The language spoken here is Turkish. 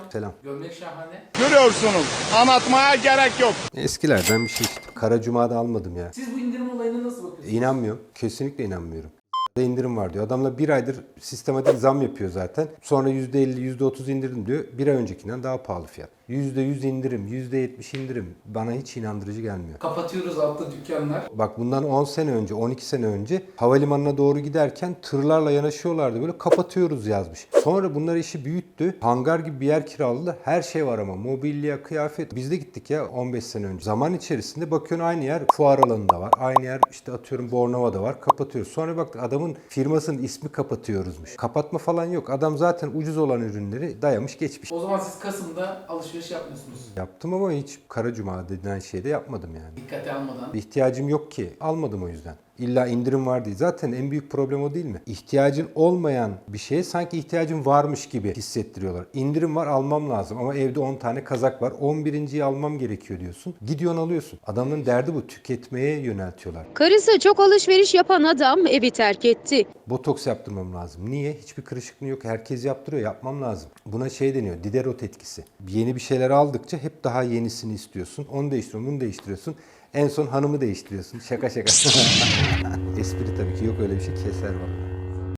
Selam. Gömlek şahane. Görüyorsunuz. Anlatmaya gerek yok. Eskilerden bir şey işte. Kara Cuma'da almadım ya. Siz bu indirim olayına nasıl bakıyorsunuz? İnanmıyorum. Kesinlikle inanmıyorum. İndirim var diyor. Adamla bir aydır sistematik zam yapıyor zaten. Sonra %50, %30 indirim diyor. Bir ay öncekinden daha pahalı fiyat. %100 indirim, %70 indirim. Bana hiç inandırıcı gelmiyor. Kapatıyoruz altta dükkanlar. Bak bundan 10 sene önce, 12 sene önce havalimanına doğru giderken tırlarla yanaşıyorlardı. Böyle kapatıyoruz yazmış. Sonra bunlar işi büyüttü. Hangar gibi bir yer kiraladı. Her şey var ama. Mobilya, kıyafet. Biz de gittik ya 15 sene önce. Zaman içerisinde bakıyorsun aynı yer fuar alanında var. Aynı yer işte atıyorum Bornova'da var. Kapatıyoruz. Sonra baktık adamın firmasının ismi kapatıyoruzmuş. Kapatma falan yok. Adam zaten ucuz olan ürünleri dayamış geçmiş. O zaman siz Kasım'da alışveriş yapmıyorsunuz. Yaptım ama hiç Kara Cuma denilen şeyde yapmadım yani. Dikkate almadan. İhtiyacım yok ki. Almadım o yüzden. İlla indirim var değil. Zaten en büyük problem o değil mi? İhtiyacın olmayan bir şeye sanki ihtiyacın varmış gibi hissettiriyorlar. İndirim var almam lazım ama evde 10 tane kazak var. 11.yi almam gerekiyor diyorsun. Gidiyorsun alıyorsun. Adamın derdi bu. Tüketmeye yöneltiyorlar. Karısı çok alışveriş yapan adam evi terk etti. Botoks yaptırmam lazım. Niye? Hiçbir kırışıklığı yok. Herkes yaptırıyor. Yapmam lazım. Buna şey deniyor. Diderot etkisi. Yeni bir şeyler aldıkça hep daha yenisini istiyorsun. Onu değiştiriyorsun, bunu değiştiriyorsun. En son hanımı değiştiriyorsun. Şaka şaka. Espri tabii ki yok öyle bir şey. Keser var.